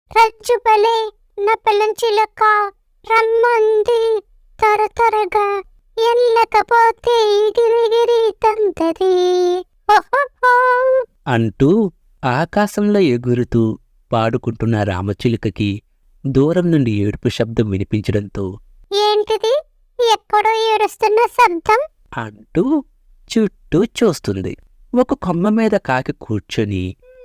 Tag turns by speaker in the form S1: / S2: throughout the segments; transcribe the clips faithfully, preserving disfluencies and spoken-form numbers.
S1: రజ్జుబలే నా పిల్లం చిలక రమ్మంది త్వర త్వరగా ఎల్లకపోతే గిరిగిరి తంతది ఓహోహో
S2: అంటూ ఆకాశంలో ఎగురుతూ పాడుకుంటున్న రామచిలుకకి దూరం నుండి ఏడుపు శబ్దం వినిపించడంతో
S1: ఏంటిది ఎక్కడో ఏడుస్తున్న శబ్దం
S2: అంటూ చుట్టూ చూస్తుంది. ఒక కొమ్మ మీద కాకి కూర్చొని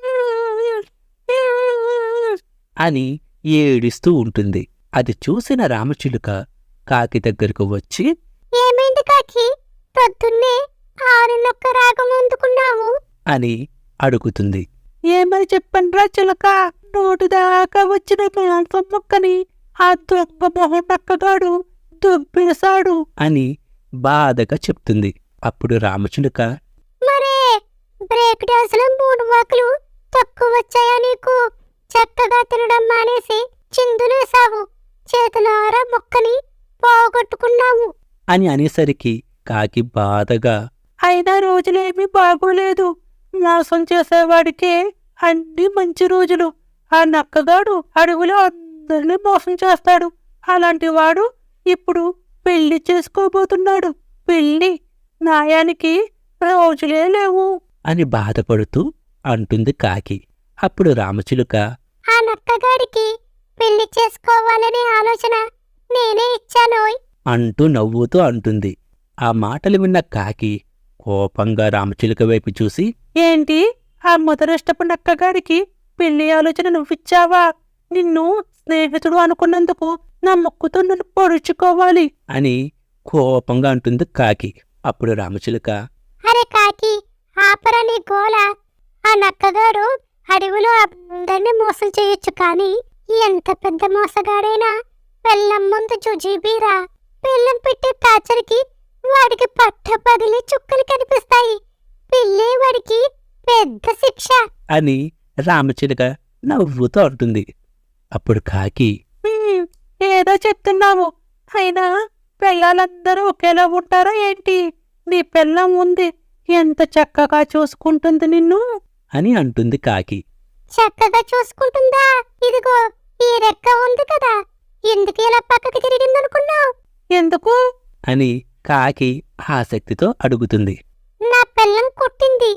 S2: అని ఏడుస్తూ ఉంటుంది. అది చూసిన రామచిలుక కాకి దగ్గరకు వచ్చి,
S1: ఏమైంది కాకి పొద్దున్నే ఆరినొక్క రాగం అందుకున్నావు
S2: అని అడుగుతుంది. ఏమని చెప్పండ్రా చిలక, నోటి దాకా వచ్చిన మాంసం ముక్కని ఆ దొంగ మొహం నక్కగాడు దుబ్బేశాడు అని బాధగా చెప్తుంది. అప్పుడు రామచిలుక,
S1: మరే బ్రేక్ డాన్స్ లో మూడు వాకులు తక్కువ వచ్చాయా నీకు? చక్కగా తినడం మానేసి చిందులేసావు, చేతులారా మొక్కని పోగొట్టుకున్నావు
S2: అని అనేసరికి కాకి బాధగా, అయినా రోజులేమీ బాగోలేదు, మోసం చేసేవాడికే అన్ని మంచి రోజులు. ఆ నక్కగాడు అడవిలో అందరినీ మోసం చేస్తాడు. అలాంటి వాడు ఇప్పుడు పెళ్లి చేసుకోబోతున్నాడు. పెళ్లి న్యాయానికి రోజులే లేవు అని బాధపడుతూ అంటుంది కాకి. అప్పుడు రామచిలుక,
S1: ఆ నక్కగాడికి పెళ్లి చేసుకోవాలనే ఆలోచన నేనే ఇచ్చానోయ్
S2: అంటూ నవ్వుతూ అంటుంది. ఆ మాటలు విన్న కాకి కోపంగా రామచిలుక వైపు చూసి, ఏంటి ఆ మొదటిష్టపు నక్కగాడికి పెళ్లి ఆలోచన నువ్విచ్చావా? నిన్ను స్నేహితుడు అనుకున్నందుకు నా ముక్కుతో నన్ను పొడుచుకోవాలి అని కోపంగా అంటుంది కాకి. అప్పుడు రామచిలుక,
S1: అరే కాకి ఆపరా నీ గోల. ఆ నక్కగాడు అడవిలో అందరినీ మోసం చేయొచ్చు, కానీ ఎంత పెద్ద మోసగాడైనా పెళ్ళం ముందు జుజీబీరా. పెళ్ళం పెట్టే టార్చర్కి వాడికి పట్ట పగిలి చుక్కలు కనిపిస్తాయి. పెళ్ళే వాడికి పెద్ద శిక్ష
S2: అని రామచిలుక నవ్వుతూ అంటుంది. అప్పుడు కాకి, "హ్మ్, ఏదో చెప్తున్నావు, అయినా పెళ్ళాలందరూ ఒకేలా ఉంటారా ఏంటి? నీ పెళ్ళం ఉంది, ఎంత చక్కగా చూసుకుంటుంది నిన్ను అని అంటుంది కాకి.
S1: చక్కగా చూసుకుంటుందా? ఇదిగో ఈ రెక్క ఉంది కదా, ఎందుకు ఇలా పక్కకి తిరిగిందనుకున్నావు?
S2: ఎందుకు అని కాకి ఆసక్తితో అడుగుతుంది.
S1: నా పెళ్ళం కొట్టింది,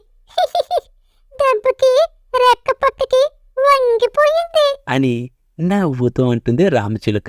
S1: దెబ్బకి రెక్క పక్కకి వంగిపోయింది
S2: అని నవ్వుతూ అంటుంది రామచిలుక.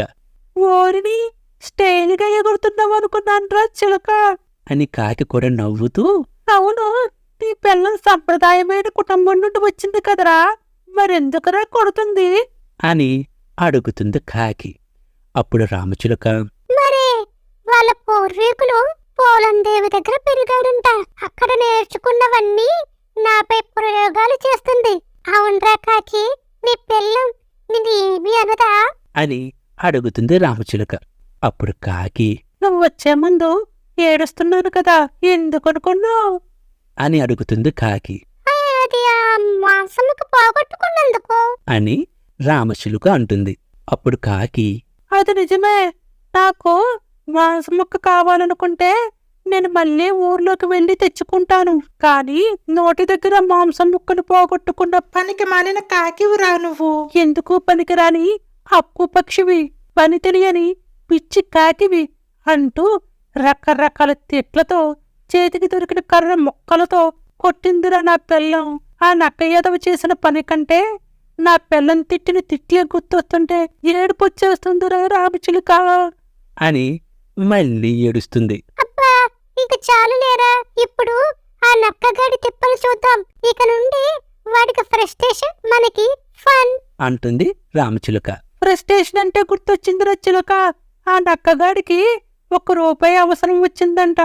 S2: ఓరిని స్టైల్గా ఎగురుతున్నావు అనుకున్నాను రా చిలుక అని కాకి కూడా నవ్వుతూ, అవును, నీ పిల్లం సంప్రదాయమైన కుటుంబం నుండి వచ్చింది కదరా, మరెందుకురా కొడుతుంది అని అడుగుతుంది కాకి. అప్పుడు రామచిలుక,
S1: మరే వాళ్ళ పూర్వీకులు పోలందేవి దగ్గర పెరిగాడంట, అక్కడ నేర్చుకున్నవన్నీ నాపై ప్రయోగాలు చేస్తుంది. అవునరా కాకి, నీ పెళ్ళం నిన్ను ఏమీ అనదా
S2: అని అడుగుతుంది రామచిలుక. అప్పుడు కాకి, నువ్వు వచ్చే ముందు ఏడుస్తున్నాను కదా, ఎందుకనుకున్నావు అని అడుగుతుంది కాకి.
S1: అది ఆ మాంసముకు పోగొట్టుకున్నందుకు
S2: అని రామచిలుక అంటుంది. అప్పుడు కాకి, అది నిజమే, నాకు మాంసం ముక్క కావాలనుకుంటే నేను మళ్ళీ ఊర్లోకి వెళ్ళి తెచ్చుకుంటాను, కానీ నోటి దగ్గర మాంసం ముక్కను పోగొట్టుకున్న పనికి మాలిన కాకివిరా నువ్వు. ఎందుకు పనికిరాని హక్కు పక్షివి, పని తెలియని పిచ్చి కాకివి అంటూ రకరకాల తిట్లతో చేతికి దొరికిన కర్ర మొక్కలతో కొట్టిందిరా నా పెళ్ళం. ఆ నక్క ఎదవ చేసిన పని కంటే నా పెళ్ళం తిట్టిన తిట్టిగా గుర్తొస్తుంటే ఏడుపొచ్చేస్తుందిరా రామచిలుక అని మళ్ళీ ఏడుస్తుంది.
S1: అబ్బా ఇక చాలు లేరా, ఇప్పుడు ఆ నక్కగాడి తిప్పలు చూద్దాం. ఇక నుండి వాడికి ఫ్రస్ట్రేషన్, మనకి ఫన్
S2: అంటుంది రామచిలుక. ఫ్రస్ట్రేషన్ అంటే గుర్తొచ్చిందిరా చిలుక, ఆ నక్కగాడికి ఒక్క రూపాయి అవసరం వచ్చిందంట.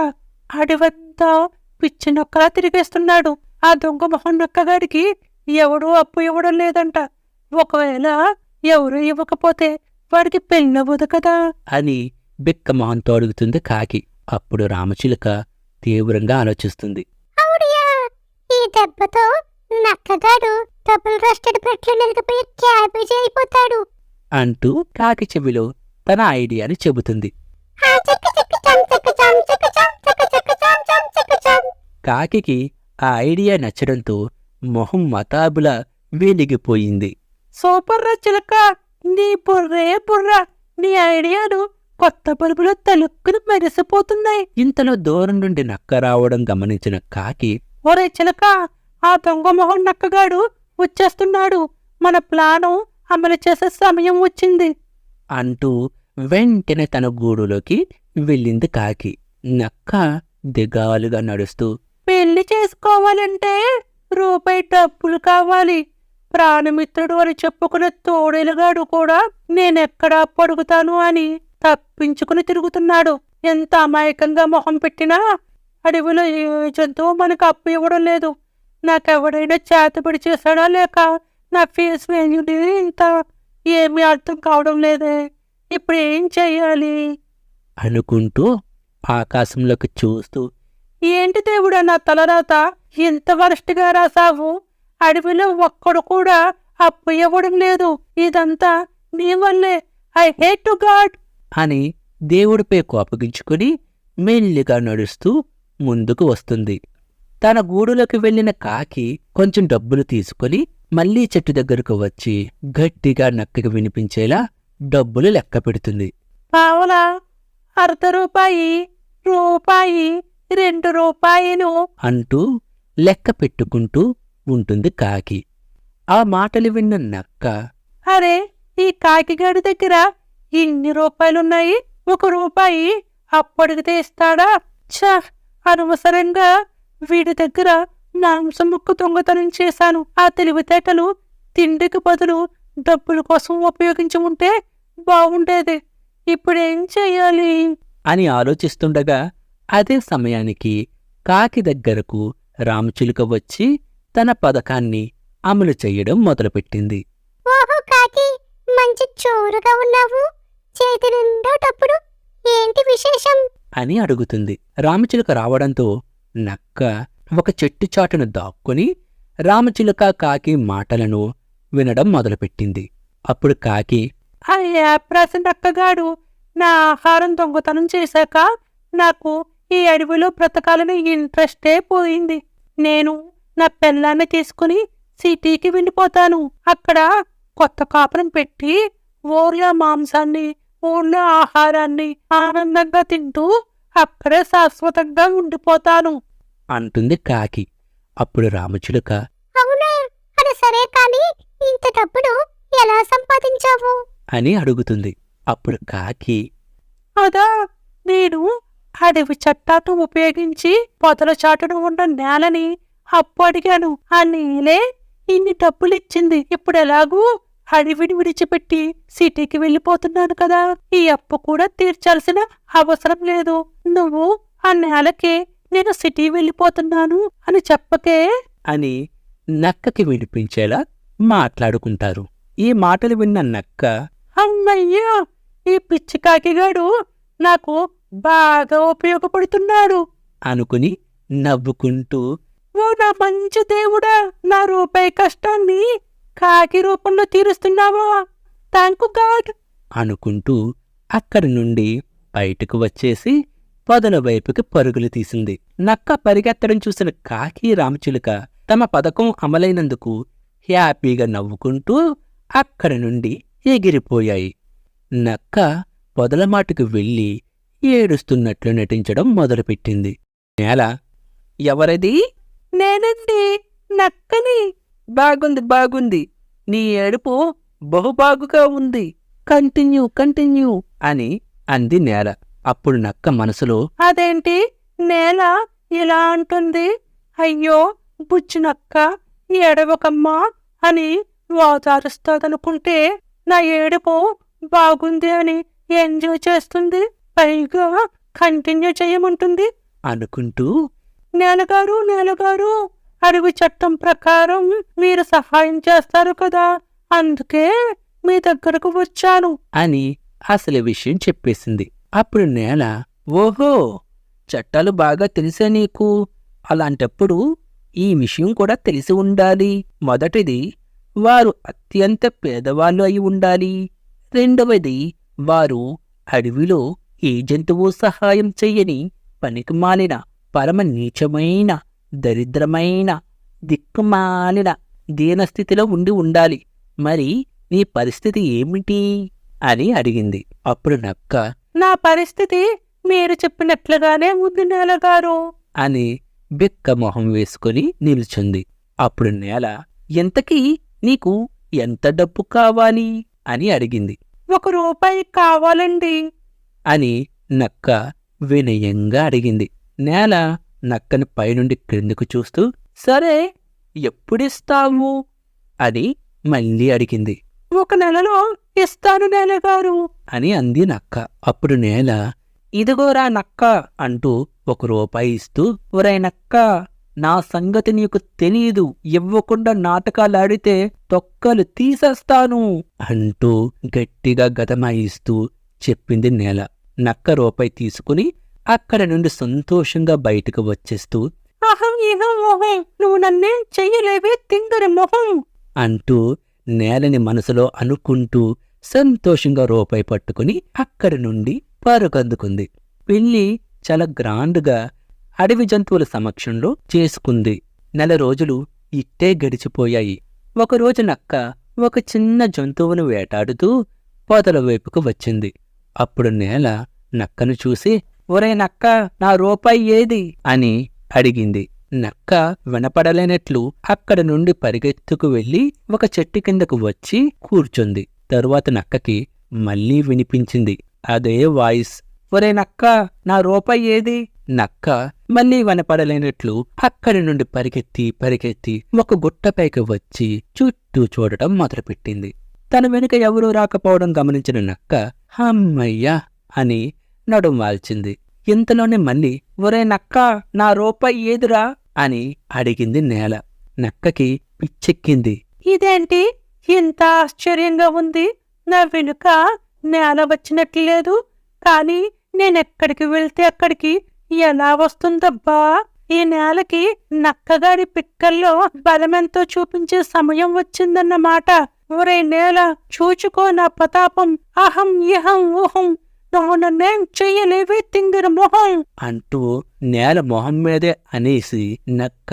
S2: అడివంతా పిచ్చి నొక్కలా తిరిగేస్తున్నాడు. ఆ దొంగ మొహం నక్కగాడికి ఎవడూ అప్పు ఇవ్వడం లేదంట. ఒకవేళ ఎవరు ఇవ్వకపోతే వాడికి పెళ్ళవదు కదా అని బిక్క మొహంతో అడుగుతుంది కాకి. అప్పుడు రామచిలుక తీవ్రంగా ఆలోచిస్తుంది.
S1: అవుడియా, ఈ దెబ్బతో నక్కగాడు డబుల్ రోస్టెడ్ బ్రెడ్లు నలిగిపోయి క్యాబేజీ అయిపోతాడు
S2: అంటూ కాకి చెవిలో తన ఐడియాని చెబుతుంది.
S1: ఆ చెక్క చెక్క చం చెక్క చం చెక్క చం చెక్క చెక్క చం చం చెక్క చం.
S2: కాకికి ఆ ఐడియా నచ్చడంతో మొహం మతాబులా వెలిగిపోయింది. సూపర్ రా చిలక, నీ బుర్రే బుర్ర, నీ ఐడియాలు కొత్త బల్బులో తలుక్కుని మెరిసిపోతున్నాయి. ఇంతలో దూరం నుండి నక్క రావడం గమనించిన కాకి, ఒరే చిలక, ఆ దొంగ మొహం నక్కగాడు వచ్చేస్తున్నాడు, మన ప్లాను అమలు చేసే సమయం వచ్చింది అంటూ వెంటనే తన గూడులోకి వెళ్ళింది కాకి. నక్క దిగాలుగా నడుస్తూ, పెళ్లి చేసుకోవాలంటే రూపాయి డబ్బులు కావాలి. ప్రాణమిత్రుడు అని చెప్పుకునే తోడేలుగాడు కూడా నేనెక్కడా పడుగుతాను అని తప్పించుకుని తిరుగుతున్నాడు. ఎంత అమాయకంగా మొహం పెట్టినా అడవిలో ఏ జంతువు మనకు అప్పు ఇవ్వడం లేదు. నాకెవడైనా చేతబడి చేశాడా లేక నా ఫేస్ వేయండి, ఇంత ఏమీ అర్థం కావడం లేదే, ఇప్పుడు ఏం చెయ్యాలి అనుకుంటూ ఆకాశంలోకి చూస్తూ, ఏంటి దేవుడా నా తలరాత ఇంత వరస్ట్గా రాసావు, అడవిలో ఒక్కడు కూడా అప్పు ఇవ్వడం లేదు, ఇదంతా నీ వల్లే, ఐ హేట్ టు గాడ్ అని దేవుడిపై కోపగించుకుని మెల్లిగా నడుస్తూ ముందుకు వస్తుంది. తన గూడులోకి వెళ్ళిన కాకి కొంచెం డబ్బులు తీసుకుని మళ్లీ చెట్టు దగ్గరకు వచ్చి గట్టిగా నక్కకి వినిపించేలా డబ్బులు లెక్క పెడుతుంది. పావలా, అర్ధ రూపాయి, రూపాయి, రెండు రూపాయలు అంటూ లెక్క పెట్టుకుంటూ ఉంటుంది కాకి. ఆ మాటలు విన్న నక్క, అరే ఈ కాకిగాడి దగ్గర ఇన్ని రూపాయలున్నాయి, ఒక రూపాయి అప్పడిగితే ఇస్తాడా? ఛ, అనవసరంగా వీడి దగ్గర మాంసం ముక్క దొంగతనం చేశాను. ఆ తెలివితేటలు తిండికి బదులు డబ్బుల కోసం ఉపయోగించి ఉంటే బాగుండేది. ఇప్పుడేం చెయ్యాలి అని ఆలోచిస్తుండగా అదే సమయానికి కాకి దగ్గరకు రామచిలుక వచ్చి తన పథకాన్ని అమలు చెయ్యడం మొదలుపెట్టింది.
S1: ఓహో కాకి, మంచి చోరుగా ఉన్నావు, చేతి నిండా డబ్బులు, ఏంటి విశేషం
S2: అని అడుగుతుంది. రామచిలుక రావడంతో నక్క ఒక చెట్టు చాటును దాక్కుని రామచిలుక కాకి మాటలను వినడం మొదలుపెట్టింది. అప్పుడు కాకి, అయ్యా ప్రసన్న నక్కగాడు నా ఆహారం దొంగతనం చేశాక నాకు ఈ అడవిలో బ్రతకాలని ఇంట్రెస్టే పోయింది. నేను నా పెళ్ళాన్ని తీసుకుని సిటీకి వెళ్ళిపోతాను. అక్కడ కొత్త కాపురం పెట్టి ఊర్లో మాంసాన్ని, ఊర్లో ఆహారాన్ని ఆనందంగా తింటూ అక్కడే శాశ్వతంగా ఉండిపోతాను అంటుంది కాకి. అప్పుడు రామచిలుక,
S1: అవునా, అది సరే కానీ ఇంత డబ్బులు ఎలా సంపాదించావు
S2: అని అడుగుతుంది. అప్పుడు కాకి, అదా, నేను అడవి చట్టాన్ని ఉపయోగించి పొదల చాటును ఉన్న నేలని అప్పు అడిగాను. ఆ నేలే ఇన్ని డబ్బులిచ్చింది. ఇప్పుడు ఎలాగూ అడవిని విడిచిపెట్టి సిటీకి వెళ్ళిపోతున్నాను కదా, ఈ అప్పు కూడా తీర్చాల్సిన అవసరం లేదు. నువ్వు ఆ నేలకే నేను సిటీ వెళ్ళిపోతున్నాను అని చెప్పకే అని నక్కకి వినిపించేలా మాట్లాడుకుంటారు. ఈ మాటలు విన్న నక్క, అమ్మయ్యా, ఈ పిచ్చి కాకిగాడు నాకు బాగా ఉపయోగపడుతున్నాడు అనుకుని నవ్వుకుంటూ, ఓ నా మంచి దేవుడా, నా రూపాయి కష్టాన్ని కాకి రూపంలో తీరుస్తున్నావా, థాంకు గాడ్ అనుకుంటూ అక్కడి నుండి బయటకు వచ్చేసి పొదల వైపుకి పరుగులు తీసింది. నక్క పరిగెత్తడం చూసిన కాకి రామచిలుక తమ పథకం అమలైనందుకు హ్యాపీగా నవ్వుకుంటూ అక్కడి నుండి ఎగిరిపోయాయి. నక్క పొదల మాటుకు వెళ్ళి ఏడుస్తున్నట్లు నటించడం మొదలుపెట్టింది. నేల, ఎవరది? నేనండి, నక్కని. బాగుంది బాగుంది, నీ ఏడుపు బహుబాగుగా ఉంది, కంటిన్యూ కంటిన్యూ అని అంది నేల. అప్పుడు నక్క మనసులో, అదేంటి నేల ఇలా అంటుంది, అయ్యో బుజ్జి నక్క ఏడవకమ్మా అని వాదారుస్తాదనుకుంటే నా ఏడుపు బాగుంది అని ఎంజాయ్ చేస్తుంది, పైగా కంటిన్యూ చేయమంటుంది అనుకుంటూ, నేలగారు నేలగారు, అడవి చట్టం ప్రకారం మీరు సహాయం చేస్తారు కదా, అందుకే మీ దగ్గరకు వచ్చాను అని అసలు విషయం చెప్పేసింది. అప్పుడు నేల, ఓహో, చట్టాలు బాగా తెలిసే నీకు, అలాంటప్పుడు ఈ విషయం కూడా తెలిసి ఉండాలి. మొదటిది, వారు అత్యంత పేదవాళ్ళు అయి ఉండాలి. రెండవది, వారు అడవిలో ఏ జంతువు సహాయం చెయ్యని పనికిమాలిన పరమ నీచమైన దరిద్రమైన దిక్కుమాలిన దీనస్థితిలో ఉండి ఉండాలి. మరి నీ పరిస్థితి ఏమిటి అని అడిగింది. అప్పుడు నక్క, నా పరిస్థితి మీరు చెప్పినట్లుగానే ఉంది నేలగారు అని బిక్క మొహం వేసుకుని నిల్చుంది. అప్పుడు నేల, ఎంతకీ నీకు ఎంత డబ్బు కావాలి అని అడిగింది. ఒక రూపాయి కావాలండి అని నక్క వినయంగా అడిగింది. నేల నక్కని పైనుండి క్రిందకు చూస్తూ, సరే ఎప్పుడిస్తావు అని మళ్ళీ అడిగింది. ఒక నెలలో ఇస్తాను నేలగారు అని అంది నక్క. అప్పుడు నేల, ఇదిగోరా నక్క అంటూ ఒక రూపాయి ఇస్తూ, ఒరే నక్క, నా సంగతి నీకు తెలీదు, ఇవ్వకుండా నాటకాలాడితే తొక్కలు తీసేస్తాను అంటూ గట్టిగా గదమాయిస్తూ చెప్పింది నేల. నక్క రూపాయి తీసుకుని అక్కడ నుండి సంతోషంగా బయటకు వచ్చేస్తూ, అహం ఇహం మొహం, నువ్వు నన్నే చెయ్యలేవే తింగరి మొహం అంటూ నేలని మనసులో అనుకుంటూ సంతోషంగా రూపాయి పట్టుకుని అక్కడి నుండి పరుగందుకుంది. పెళ్ళి చాలా గ్రాండ్గా అడవి జంతువుల సమక్షంలో చేసుకుంది. నెల రోజులు ఇట్టే గడిచిపోయాయి. ఒకరోజు నక్క ఒక చిన్న జంతువును వేటాడుతూ పొదల వైపుకు వచ్చింది. అప్పుడు నేల నక్కను చూసి, ఒరే నక్క, నా రూపాయి ఏది అని అడిగింది. నక్క వినపడలేనట్లు అక్కడ నుండి పరిగెత్తుకు వెళ్లి ఒక చెట్టు కిందకు వచ్చి కూర్చుంది. తరువాత నక్కకి మళ్లీ వినిపించింది అదే వాయిస్, ఒరే నక్క, నా రూపాయి ఏది? నక్క మళ్లీ వినపడలేనట్లు అక్కడి నుండి పరిగెత్తి పరిగెత్తి ఒక గుట్టపైకి వచ్చి చుట్టూ చూడటం మొదలుపెట్టింది. తన వెనుక ఎవరూ రాకపోవడం గమనించిన నక్క హమ్మయ్యా అని నడుం వాల్చింది. ఇంతలోనే మళ్ళీ, ఒరే నక్క, నా రూపాయి ఏదిరా అని అడిగింది నేల. నక్కకి పిచ్చెక్కింది. ఇదేంటి ఇంత ఆశ్చర్యంగా ఉంది? నా వెనుక నేల వచ్చినట్లేదు, కానీ నేనెక్కడికి వెళ్తే అక్కడికి ఎలా వస్తుందబ్బా? ఈ నేలకి నక్కగాడి పిక్కల్లో బలమెంతో చూపించే సమయం వచ్చిందన్నమాట. ఒరే నేల, చూచుకో నా ప్రతాపం, అహం ఇహం ఊహం, నువ్వు నన్నేం చెయ్యలేవే తింగిర మొహం అంటూ నేల మొహం మీదే అనేసి నక్క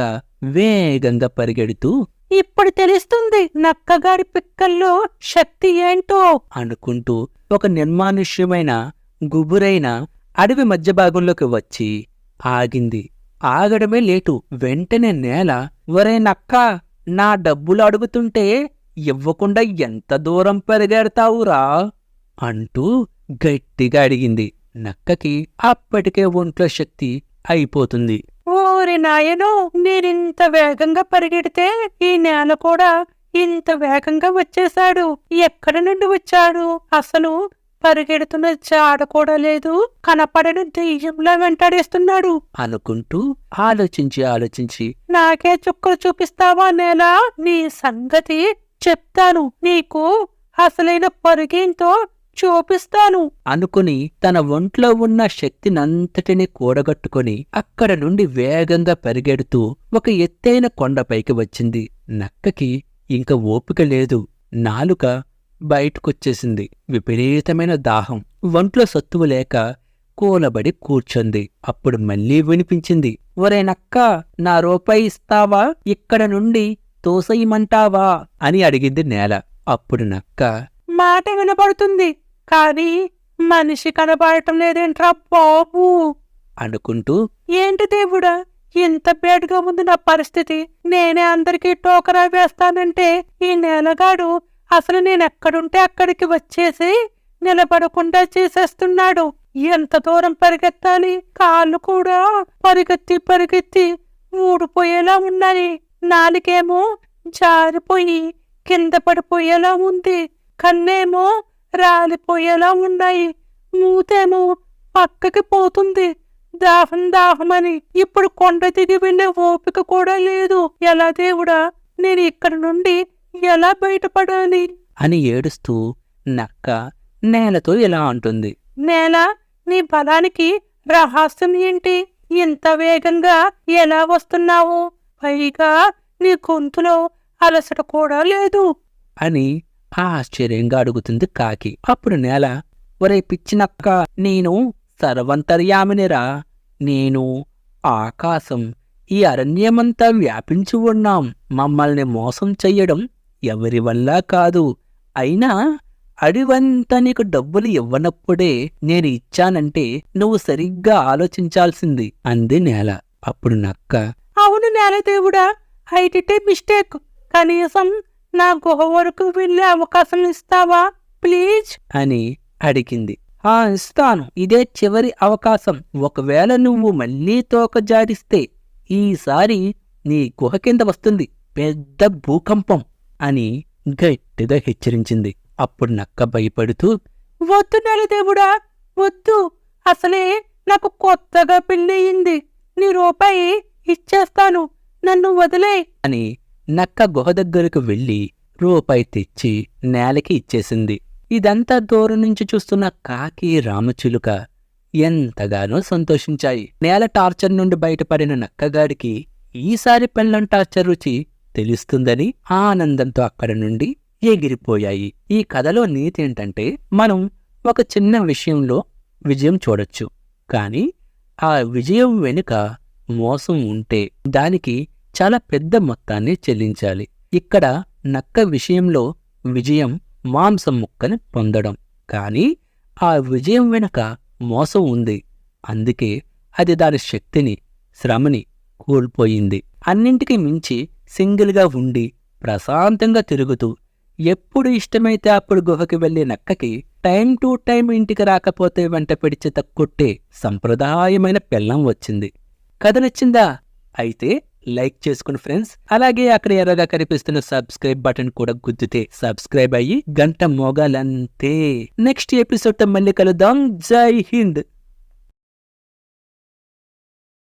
S2: వేగంగా పరిగెడుతూ, ఇప్పుడు తెలుస్తుంది నక్కగాడి పిక్కల్లో శక్తి ఏంటో అనుకుంటూ ఒక నిర్మానుష్యమైన గుబురైన అడవి మధ్య భాగంలోకి వచ్చి ఆగింది. ఆగడమే లేటు. వెంటనే నేల, ఒరే నక్క, నా డబ్బులు అడుగుతుంటే ఇవ్వకుండా ఎంత దూరం పరిగెడతావురా అంటూ గట్టిగా అడిగింది. నక్కకి అప్పటికే ఒంట్లో శక్తి అయిపోతుంది. ఓరి నాయనో, నేనింత వేగంగా పరిగెడితే ఈ నేల కూడా ఇంత వేగంగా వచ్చేశాడు. ఎక్కడి నుండి వచ్చాడు? అసలు పరిగెడుతున్న జాడ కూడా లేదు, కనపడని దెయ్యంలా వెంటాడేస్తున్నాడు అనుకుంటూ ఆలోచించి ఆలోచించి, నాకే చుక్కలు చూపిస్తావా నేల? నీ సంగతి చెప్తాను, నీకు అసలైన పరుగేంతో చూపిస్తాను అనుకుని తన ఒంట్లో ఉన్న శక్తినంతటినీ కూడగట్టుకుని అక్కడ నుండి వేగంగా పరిగెడుతూ ఒక ఎత్తైన కొండపైకి వచ్చింది. నక్కకి ఇంక ఓపిక లేదు. నాలుక బయటకొచ్చేసింది. విపరీతమైన దాహం. ఒంట్లో సత్తువు లేక కూలబడి కూర్చుంది. అప్పుడు మళ్లీ వినిపించింది, ఒరే నక్క, నా రూపాయి ఇస్తావా? ఇక్కడ నుండి తోసెయ్యమంటావా అని అడిగింది నేల. అప్పుడు నక్క, మాట వినపడుతుంది కానీ మనిషి కనబడటం లేదేంట్రా బాబు అనుకుంటూ, ఏంటి దేవుడా, ఇంత బేడ్గా ఉంది నా పరిస్థితి, నేనే అందరికీ టోకరా వేస్తానంటే ఈ నేలగాడు అసలు నేనెక్కడుంటే అక్కడికి వచ్చేసి నిలబడకుండా చేసేస్తున్నాడు. ఎంత దూరం పరిగెత్తాలి? కాళ్ళు కూడా పరిగెత్తి పరిగెత్తి ఊడిపోయేలా ఉన్నాయి. నాలుకేమో జారిపోయి కింద పడిపోయేలా ఉంది. కన్నేమో రాలిపోయేలా ఉన్నాయి. మూతేమో పక్కకి పోతుంది. దాహం దాహమని ఇప్పుడు కొండ దిగి వెళ్లే ఓపిక కూడా లేదు. ఎలా దేవుడా, నేను ఇక్కడ నుండి ఎలా బయటపడాలి అని ఏడుస్తూ నక్క నేలతో ఇలా అంటుంది, నేల, నీ బలానికి రహస్యం ఏంటి? ఇంత వేగంగా ఎలా వస్తున్నావు? పైగా నీ గొంతులో అలసట కూడా లేదు అని ఆశ్చర్యంగా అడుగుతుంది కాకి. అప్పుడు నేల, ఒరే పిచ్చినక్క, నేను సర్వంతర్యామినిరా. నేను ఆకాశం, ఈ అరణ్యమంతా వ్యాపించి ఉన్నాం. మమ్మల్ని మోసం చెయ్యడం ఎవరి వల్ల కాదు. అయినా అడివంతా నీకు డబ్బులు ఇవ్వనప్పుడే నేను ఇచ్చానంటే నువ్వు సరిగ్గా ఆలోచించాల్సింది అంది నేల. అప్పుడు నక్క, అవును నేలదేవుడా, ఐ డిడ్ ఏ మిస్టేక్. కనీసం నా గుహ వరకు వెళ్ళే అవకాశం ఇస్తావా ప్లీజ్ అని అడిగింది. ఆ ఇస్తాను, ఇదే చివరి అవకాశం. ఒకవేళ నువ్వు మళ్ళీ తోక జారిస్తే ఈసారి నీ గుహ కింద వస్తుంది పెద్ద భూకంపం అని గట్టిగా హెచ్చరించింది. అప్పుడు నక్క భయపడుతూ, వద్దు నెలదేవుడా వద్దు, అసలే నాకు కొత్తగా పెళ్ళయింది, నీ రూపాయి ఇచ్చేస్తాను, నన్ను వదిలే అని నక్క గుహ దగ్గరకు వెళ్ళి రూపాయి తెచ్చి నేలకి ఇచ్చేసింది. ఇదంతా దూరం నుంచి చూస్తున్న కాకి రామచిలుక ఎంతగానో సంతోషించాయి. నేల టార్చర్ నుండి బయటపడిన నక్కగాడికి ఈసారి పెళ్ళం టార్చర్ రుచి తెలుస్తుందని ఆనందంతో అక్కడి నుండి ఎగిరిపోయాయి. ఈ కథలో నీతి ఏంటంటే, మనం ఒక చిన్న విషయంలో విజయం చూడొచ్చు, కానీ ఆ విజయం వెనుక మోసం ఉంటే దానికి చాలా పెద్ద మొత్తాన్ని చెల్లించాలి. ఇక్కడ నక్క విషయంలో విజయం మాంసం ముక్కని పొందడం, కానీ ఆ విజయం వెనుక మోసం ఉంది. అందుకే అది దాని శక్తిని, శ్రమని కోల్పోయింది. అన్నింటికీ మించి సింగిల్గా ఉండి ప్రశాంతంగా తిరుగుతూ ఎప్పుడు ఇష్టమైతే అప్పుడు గుహకి వెళ్లే నక్కకి టైం టు టైం ఇంటికి రాకపోతే వెంట పిడిచేత కొట్టే సంప్రదాయమైన పెళ్ళం వచ్చింది. కథ నచ్చిందా? అయితే లైక్ చేసుకుని ఫ్రెండ్స్, అలాగే అక్కడ ఎర్రగా కనిపిస్తున్న సబ్స్క్రైబ్ బటన్ కూడా గుద్దితే సబ్స్క్రైబ్ అయ్యి గంట మోగాలంతే. నెక్స్ట్ ఎపిసోడ్ తో మళ్ళీ కలుద్దాం. జై హింద్.